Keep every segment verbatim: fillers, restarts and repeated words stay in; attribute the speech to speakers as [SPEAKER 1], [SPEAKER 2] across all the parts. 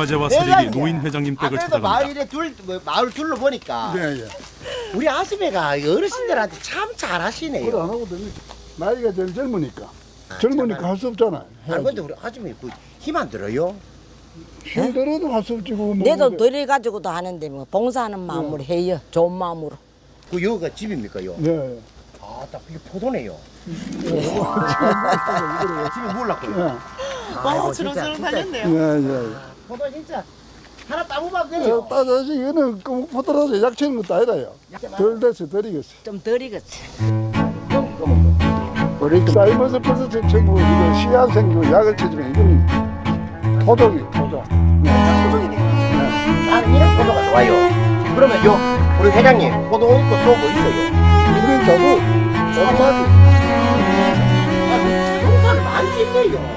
[SPEAKER 1] 화제와 쓰레기 노인 회장님 댁을
[SPEAKER 2] 아무래도
[SPEAKER 1] 찾아갑니다.
[SPEAKER 2] 마을에 둘 뭐, 마을 둘러 보니까
[SPEAKER 3] 네, 예.
[SPEAKER 2] 우리 아줌매가 어르신들한테 참 잘하시네요.
[SPEAKER 3] 그걸 안 하고 됩니까? 나이가 제일 젊으니까.
[SPEAKER 2] 아,
[SPEAKER 3] 젊으니까
[SPEAKER 2] 참아요.
[SPEAKER 3] 할 수 없잖아.
[SPEAKER 2] 아니 근데 우리 아줌매 그 힘 안 들어요?
[SPEAKER 3] 힘들어도 할 수 없지. 그거 뭐
[SPEAKER 4] 내도
[SPEAKER 3] 근데-
[SPEAKER 4] 덜 가지고도 하는데 뭐 봉사하는 마음으로 해요. 좋은 마음으로.
[SPEAKER 2] 그 여기가 집입니까 요?
[SPEAKER 3] 네.
[SPEAKER 2] 아딱 이게 포도네요. 집이 몰랐고요.
[SPEAKER 3] 예.
[SPEAKER 2] 아이고,
[SPEAKER 5] 어,
[SPEAKER 2] 진짜,
[SPEAKER 5] 주렁주렁
[SPEAKER 2] 진짜.
[SPEAKER 5] 달렸네요.
[SPEAKER 3] 예, 예.
[SPEAKER 2] 포도 진짜 하나 따보면
[SPEAKER 3] 저
[SPEAKER 2] 돼요.
[SPEAKER 3] 따져서 이거는 그 포도라서 약치는 것도 아니라요. 덜 돼서 덜이겠어.
[SPEAKER 4] 좀 덜이겠지.
[SPEAKER 3] 사이버스 퍼스 전부 이거 씨앗 생기고 약을 쳐주면 이거는 토종이 토종.
[SPEAKER 2] 나는 이런 포도가 좋아요. 그러면 요 우리 회장님 포도 있고 또 뭐 있어요?
[SPEAKER 3] 우리는 자도 소마지.
[SPEAKER 2] 농사를 많이 짓네요.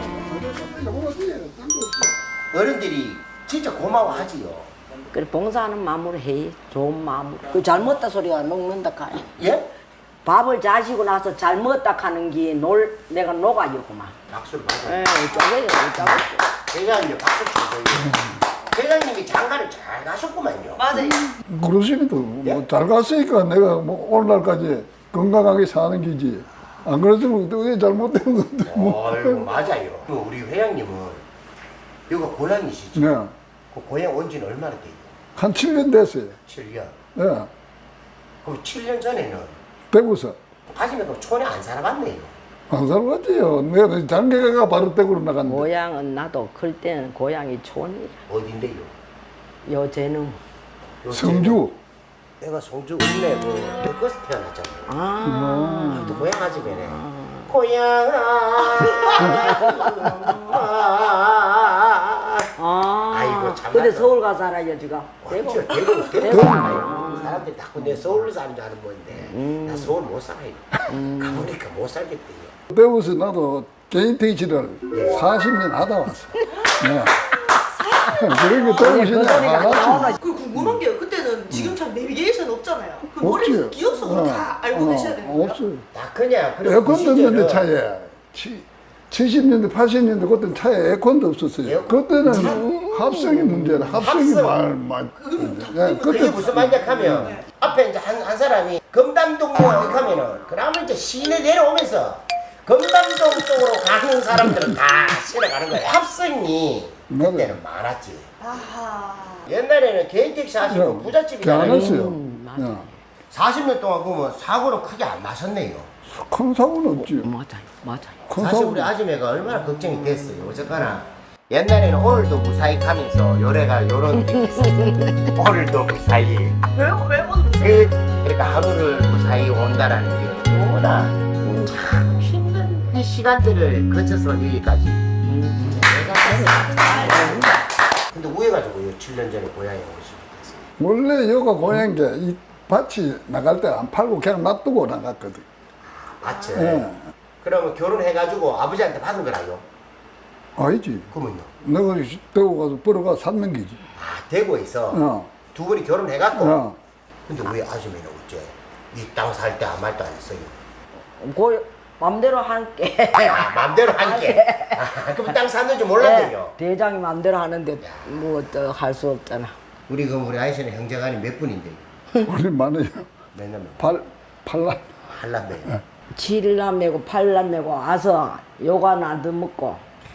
[SPEAKER 2] 어른들이 진짜 고마워하지요.
[SPEAKER 4] 그래 봉사하는 마음으로 해. 좋은 마음으로. 그 잘못다 소리가 녹는다 카네.
[SPEAKER 2] 예?
[SPEAKER 4] 밥을 자시고 나서 잘못다 하는 게 놀 내가 녹아요 그만.
[SPEAKER 2] 박수를 받아요.
[SPEAKER 4] 에 짜고요 짜고.
[SPEAKER 2] 회장님 박수 쳐줘요. 회장님이 장가를 잘 가셨구만요.
[SPEAKER 5] 맞아요.
[SPEAKER 3] 그러시기도 뭐잘 갔으니까 내가 뭐 오늘날까지 건강하게 사는 기지. 안 그랬으면 어디 잘못된 건데 뭐.
[SPEAKER 2] 아이고 맞아요. 우리 회장님은 여기가 고향이시죠?
[SPEAKER 3] 네.
[SPEAKER 2] 그 고향 온 지는 얼마나 돼요?
[SPEAKER 3] 한 칠 년 됐어요.
[SPEAKER 2] 칠 년.
[SPEAKER 3] 예.
[SPEAKER 2] 그럼 칠 년 전에는
[SPEAKER 3] 대구서.
[SPEAKER 2] 아줌마가 촌에 안 살아봤네요.
[SPEAKER 3] 안 살았지요. 내가 장계가 바로 대구로 나갔는데.
[SPEAKER 4] 고향은 나도 클 때는 고향이 촌이라.
[SPEAKER 2] 어딘데요?
[SPEAKER 4] 요새는
[SPEAKER 3] 성주.
[SPEAKER 2] 내가 송주 읍내 그 덕거스 태어났잖아요.
[SPEAKER 4] 아.
[SPEAKER 2] 또 고향 아줌매네. 고향
[SPEAKER 4] 아.
[SPEAKER 2] 아이고, 참
[SPEAKER 4] 근데
[SPEAKER 2] 맞다.
[SPEAKER 4] 서울 가서 살아요 지금. 대구.
[SPEAKER 2] 대구 대구 대구
[SPEAKER 4] 대구.
[SPEAKER 2] 살아요. 사람들이 자꾸 내 서울 사는 줄 아는 건데 나 서울 못 살아요. 가보니까 못 살겠대요.
[SPEAKER 3] 대구서 나도 개인 택시를 사십 년 하다 왔어. 네. 그런 게 대구시냐 많았지.
[SPEAKER 5] 그 궁금한 게요. 그때는 지금처럼 내비게이션 없잖아요. 그
[SPEAKER 3] 없지.
[SPEAKER 5] 머릿속 기억속으로 다 알고 계셔야 되는 거예요?
[SPEAKER 3] 없어요.
[SPEAKER 2] 나 그냥 그런
[SPEAKER 3] 에어컨도 없는데
[SPEAKER 2] 시절은
[SPEAKER 3] 차에. 치, 칠십 년대, 팔십 년대 그때는 차에 에어컨도 없었어요.
[SPEAKER 2] 에어컨?
[SPEAKER 3] 그때는 합성이 문제라. 합성이
[SPEAKER 2] 합성.
[SPEAKER 3] 말, 말. 예,
[SPEAKER 2] 그게
[SPEAKER 3] 그때
[SPEAKER 2] 무슨 말이냐 하면 앞에 이제 한, 한 사람이 금담동 뭐 이렇게 하면은 그러면 이제 시내 내려오면서 금담동 쪽으로 가는 사람들은 다 시내 가는 거예요. 합성이 그때는 많았지.
[SPEAKER 5] 아하.
[SPEAKER 2] 옛날에는 개인 택시 하시고
[SPEAKER 3] 안
[SPEAKER 2] 부잣집이잖아요.
[SPEAKER 3] 했어요.
[SPEAKER 4] 음, 맞아.
[SPEAKER 3] 예.
[SPEAKER 2] 사십 년 동안 그러면 사고는 크게 안 나셨네요.
[SPEAKER 3] 큰 사고는 없지.
[SPEAKER 4] 맞아요, 맞아요.
[SPEAKER 3] 큰
[SPEAKER 2] 사실
[SPEAKER 3] 사고.
[SPEAKER 2] 우리 아줌매가 얼마나 걱정이 됐어요. 어쨌거나 옛날에는 오늘도 무사히 가면서 요래가 요런 게 있었어요. 오늘도 무사히.
[SPEAKER 5] 왜요? 왜 오늘
[SPEAKER 2] 그, 그러니까 하루를 무사히 온다라는 게 너무나 참 힘든 그 시간들을 거쳐서 여기까지 내가 됐어요. 근데 왜 가지고 칠 년 전에 고향에 오시게 됐어요?
[SPEAKER 3] 원래 여가 고향인 게이 밭이 나갈 때 안 팔고 그냥 놔두고 나갔거든.
[SPEAKER 2] 맞지?
[SPEAKER 3] 예.
[SPEAKER 2] 그러면 결혼해가지고 아버지한테 받은 거라요?
[SPEAKER 3] 아니지.
[SPEAKER 2] 그러면요?
[SPEAKER 3] 내가 대구 가서 벌어가 샀는 기지.
[SPEAKER 2] 아 대구에서
[SPEAKER 3] 어.
[SPEAKER 2] 두 분이 결혼해갖고
[SPEAKER 3] 어.
[SPEAKER 2] 근데 왜 아줌매는 어째 이 땅 살 때 아무 말도 안 했어요?
[SPEAKER 4] 그 맘대로 할게.
[SPEAKER 2] 아, 맘대로 할게. 아, 그럼 땅 샀는지 몰랐대요.
[SPEAKER 4] 네, 대장이 맘대로 하는데 뭐 또 할 수 없잖아.
[SPEAKER 2] 우리 그 우리 아이씨는 형제간이 몇 분인데?
[SPEAKER 3] 우리 많아요.
[SPEAKER 2] 몇 남매?
[SPEAKER 3] 팔, 팔라.
[SPEAKER 2] 한남매.
[SPEAKER 4] 칠남매고 팔남매고 와서 요가 나도 먹고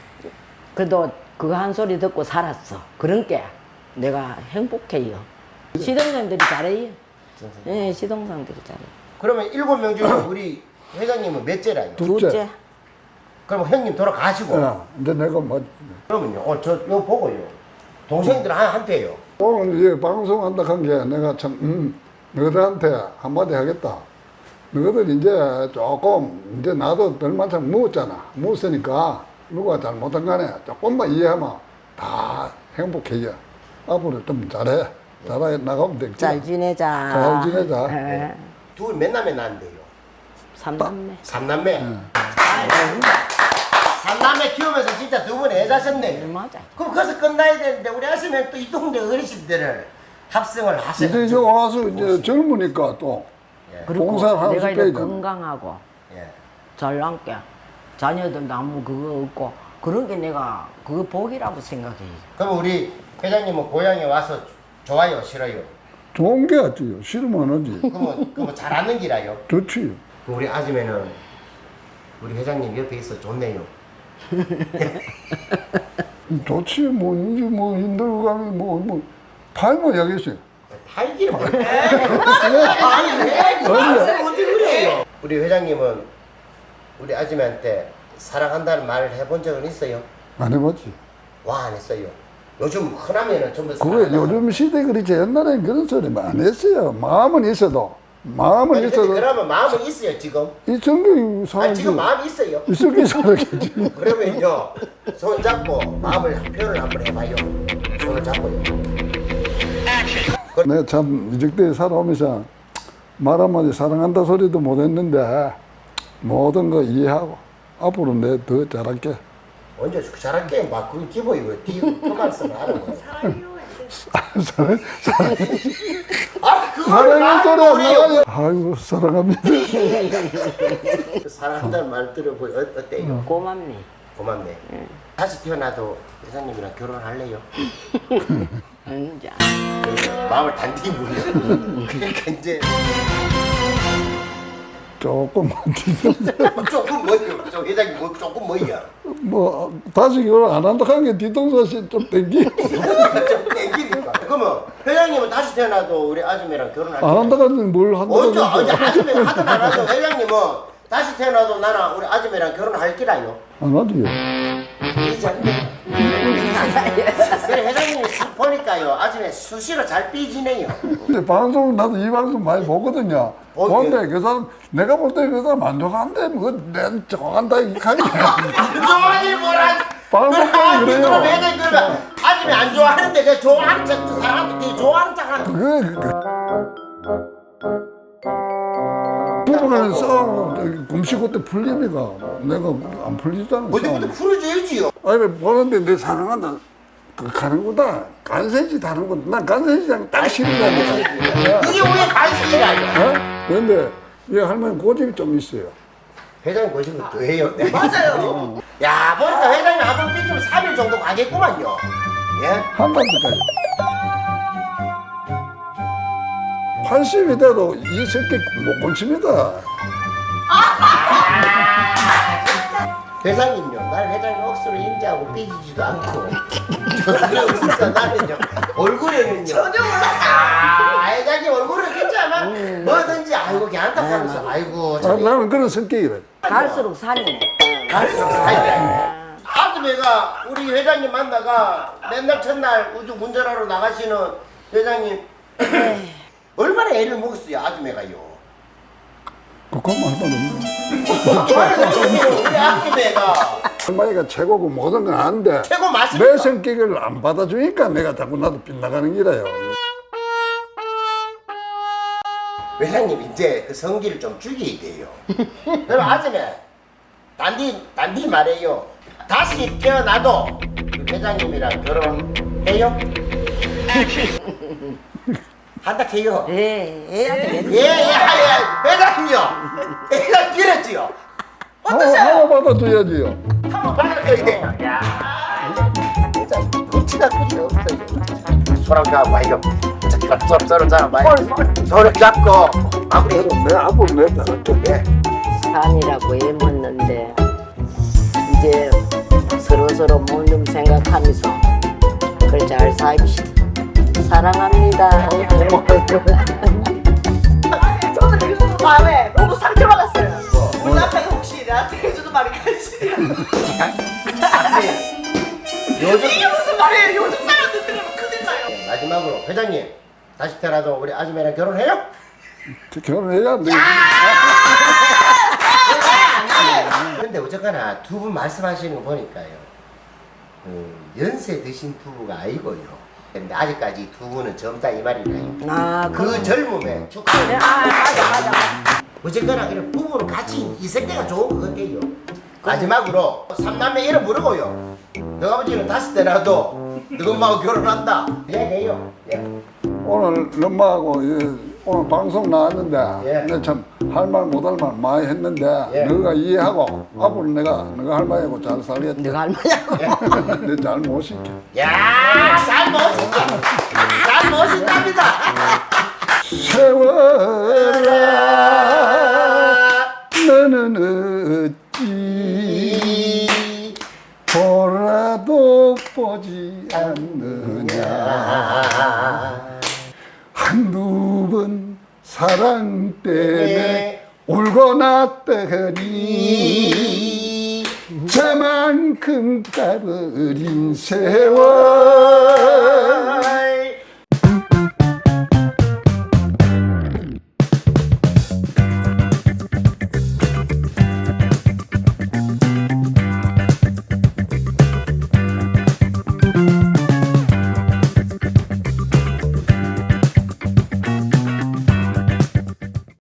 [SPEAKER 4] 그래도 그거 한 소리 듣고 살았어. 그런 게 내가 행복해요. 시동생들이 잘해요. 예, 시동생들이 잘해.
[SPEAKER 2] 그러면 일곱 명 중에 우리 회장님은 몇째라요?
[SPEAKER 3] 둘째.
[SPEAKER 4] 둘째.
[SPEAKER 2] 그럼 형님 돌아가시고
[SPEAKER 3] 어. 이제 내가 뭐
[SPEAKER 2] 그러면요. 어, 저 요 보고요. 동생들 한 한테요.
[SPEAKER 3] 오늘 이 방송한다 한 게 내가 참 음, 너희들한테 한마디 하겠다. 너희들 이제 조금 이제 나도 별만큼 묵었잖아. 묵었으니까 누가 잘못한 간에 조금만 이해하면 다 행복해져. 앞으로 좀 잘해. 잘해 나가면 되겠지.
[SPEAKER 4] 잘 지내자.
[SPEAKER 3] 잘 지내자.
[SPEAKER 4] 예.
[SPEAKER 2] 둘 몇 남매 낳는데요?
[SPEAKER 4] 삼남매.
[SPEAKER 2] 삼남매. 삼남매 키우면서 진짜 두 분이 애자셨네.
[SPEAKER 4] 맞아.
[SPEAKER 2] 그럼 거기서 끝나야 되는데 우리 아시면 또 이 동네 어르신들을 합성을 하셔야
[SPEAKER 3] 이제 저 와서 이제 젊으니까 또
[SPEAKER 4] 그리고
[SPEAKER 3] 봉사를 하고
[SPEAKER 4] 내가 이렇게
[SPEAKER 3] 싶어야
[SPEAKER 4] 건강하고
[SPEAKER 2] 예.
[SPEAKER 4] 잘 남게 자녀들도 아무 그거 없고 그런 게 내가 그거 복이라고 생각해요.
[SPEAKER 2] 그럼 우리 회장님은 고향에 와서 좋아요, 싫어요?
[SPEAKER 3] 좋은 게 낫지요. 싫으면 안 하지.
[SPEAKER 2] 그러면 그러면 잘하는 기라요.
[SPEAKER 3] 좋지.
[SPEAKER 2] 그럼 우리 아줌매는 우리 회장님 옆에 있어 좋네요.
[SPEAKER 3] 좋지. 뭐 이제 뭐 힘들고 가면 뭐뭐 팔면 여기서.
[SPEAKER 2] 팔기를 뭘 해? 아니 왜? 말씀 어떻게 그래요? 우리 회장님은 우리 아줌매한테 사랑한다는 말을 해본 적은 있어요?
[SPEAKER 3] 안 해봤지.
[SPEAKER 2] 와 안 했어요. 요즘 흔하면은 전부
[SPEAKER 3] 그게
[SPEAKER 2] 사랑한다고.
[SPEAKER 3] 요즘 시대 그렇지 옛날엔 그런 소리 안 했어요. 마음은 있어도 마음은
[SPEAKER 2] 아니, 근데
[SPEAKER 3] 있어도
[SPEAKER 2] 그러면 마음은 있어요 지금?
[SPEAKER 3] 이성기
[SPEAKER 2] 아니
[SPEAKER 3] 사람지
[SPEAKER 2] 지금 마음이 있어요.
[SPEAKER 3] 이성기 살았겠지.
[SPEAKER 2] 그러면요 손 잡고 마음을 표현을 한번 해봐요. 손을 잡고요.
[SPEAKER 3] 내가 참 이적대에 살아오면서 말 한마디 사랑한다 소리도 못했는데 모든 거 이해하고 앞으로 내 더 잘할게.
[SPEAKER 2] 언제 잘할게 막 그게 기본이고 그 말씀을 하는 거예요.
[SPEAKER 3] 사랑, 사랑,
[SPEAKER 2] 아 그걸
[SPEAKER 3] 사랑의 소리 안
[SPEAKER 2] 말해요.
[SPEAKER 3] 나가요. 아이고 사랑합니다.
[SPEAKER 2] 사랑한다는 말 들어보니 어, 어때요?
[SPEAKER 4] 고맙네.
[SPEAKER 2] 고맙네. 다시 태어나도 회장님이랑 결혼할래요?
[SPEAKER 4] 이제
[SPEAKER 2] 마음을 단디 무려. 그러니까 이제
[SPEAKER 3] 조금만 뒤통수.
[SPEAKER 2] 조금 뭐요? 저 회장님 뭐 조금 뭐야?
[SPEAKER 3] 뭐 다시 결혼 안 한다 하는 게 뒤통수가 좀 땡기.
[SPEAKER 2] 좀 땡기니까. 그러면 회장님은 다시 태어나도 우리 아줌매랑 결혼할
[SPEAKER 3] 안 한다 하는 뭘 한다
[SPEAKER 2] 언제
[SPEAKER 3] 하는
[SPEAKER 2] 언제 아줌매 하든 안 하든 회장님은 다시 태어나도 나랑 우리 아줌매랑 결혼할 기라요.
[SPEAKER 3] 안 하지요.
[SPEAKER 2] 삐지 않네. 그래 회장님이 수- 보니까요 아줌매 수시로 잘 삐지네요.
[SPEAKER 3] 근데 방송 나도 이 방송 많이 보거든요.
[SPEAKER 2] 어,
[SPEAKER 3] 보는데 그 사람 내가 볼 때 그 사람 안 좋아한대. 뭐내 좋아한다 이 하니.
[SPEAKER 2] 안 좋아하니 뭐라.
[SPEAKER 3] 방송 보면 그래요.
[SPEAKER 2] 그럼 회장님 그러면 아줌매 안 좋아하는데 그 좋아하는 척 사람한테 되게 좋아하는 척하는.
[SPEAKER 3] 그게 그, 부부간에 싸움 금시고 때 풀립니까? 내가 안 풀리잖아.
[SPEAKER 2] 어디 어디 풀어줘야지요.
[SPEAKER 3] 아니 보는데 내 사랑한다. 그 가는구나. 간센지 다른구나. 난 간센지랑 딱 싫어가지고.
[SPEAKER 2] 이게 왜 관심이라요?
[SPEAKER 3] 어? 그런데 이 할머니 고집이 좀 있어요.
[SPEAKER 2] 회장님 거짓말또 해요. 네.
[SPEAKER 5] 맞아요.
[SPEAKER 2] 야 보니까 회장님 한번 삐지면 삼 일 정도 가겠구만요. 예?
[SPEAKER 3] 한 달까지. 팔십이 돼도 이 새끼 못 고칩니다.
[SPEAKER 2] 회장님요, 날 회장님 억수로 인지하고 삐지지도 않고 그러니까 나는요 얼굴에는요
[SPEAKER 5] 전혀 몰랐어요.
[SPEAKER 2] 아 회장님 얼굴은 괜찮아 뭐든지 아이고 괜찮다 하면서 아이고
[SPEAKER 3] 아,
[SPEAKER 2] 참
[SPEAKER 3] 나는 그런 성격이래.
[SPEAKER 4] 갈수록 산이네.
[SPEAKER 2] 갈수록 사이다. 아줌매가 우리 회장님 만나가 맨날 첫날 우주 운전하러 나가시는 회장님 얼마나 애를 먹었어요 아줌매가요.
[SPEAKER 3] 그것만 할 말 없네.
[SPEAKER 2] 우리 아줌매가
[SPEAKER 3] 할머니가 최고고 모든 건 아는데
[SPEAKER 2] 최고
[SPEAKER 3] 내
[SPEAKER 2] 맛있다.
[SPEAKER 3] 성격을 안 받아주니까 내가 자꾸 나도 빗나가는 기라요.
[SPEAKER 2] 회장님 이제 그 성기를 좀 죽여야 돼요. 그럼 아줌매 단디 단디 말해요. 다시 태어나도 그 회장님이랑 결혼해요? 한다 해요.
[SPEAKER 4] 예, 애한테
[SPEAKER 2] 예예 예, 회장님요. 회장 길었지요.
[SPEAKER 3] 하나, 하나 받아줘야지요.
[SPEAKER 2] 한번 받아줘야 돼요. 야 회장 눈치가 그리 없어요. 손을 잡아봐요. 서로 서로 잡아봐요. 손을 잡고 마무리.
[SPEAKER 3] 내 앞으로 내 잘할게.
[SPEAKER 2] 예.
[SPEAKER 4] 산이라고 애먹는데 이제 서로서로 몸좀 생각하면서 그걸 잘 살읍시다. 사랑합니다.
[SPEAKER 5] 저는 요즘 마음에 너무 상처받았어요. 우리 남편이 혹시 나한테 해주는 말이 간신이야.
[SPEAKER 2] 요즘
[SPEAKER 5] 이게 무슨 말이에요? 요즘 사람들 들으면 큰일 나요.
[SPEAKER 2] 마지막으로 회장님 다시 태어나도 우리 아줌매랑 결혼해요?
[SPEAKER 3] 결혼해야 안 돼.
[SPEAKER 2] 근데 어쨌거나 두 분 말씀하시는 거 보니까요 음, 연세 드신 부부가 아니고요. 근데 아직까지 두 분은 젊다 이 말이나요.
[SPEAKER 4] 아,
[SPEAKER 2] 그 젊음에 축하를.
[SPEAKER 4] 아, 맞아, 맞아, 맞아.
[SPEAKER 2] 어쨌거나 그래 부부는 같이 있을 때가 좋은 것 같아요. 마지막으로 삼남매 이름 물어보요. 너 아버지는 다시 태어나도 너 엄마하고 결혼한다. 얘기해요. 예.
[SPEAKER 3] 오늘 엄마하고 예, 오늘 방송 나왔는데
[SPEAKER 2] 예.
[SPEAKER 3] 내가 참 할 말 못 할 말 많이 했는데
[SPEAKER 2] 예.
[SPEAKER 3] 너가 이해하고 앞으로 내가 너가 할 말하고 잘 살겠다.
[SPEAKER 4] 네가 할머니하고
[SPEAKER 3] 내 잘못 시켜.
[SPEAKER 2] 야, 잘 멋있다. 잘 멋있답니다.
[SPEAKER 3] 세월아 너는 어찌 보라도 보지 않느냐 한두 번 사랑 때문에 울고 났더니 저만큼 가버린 세월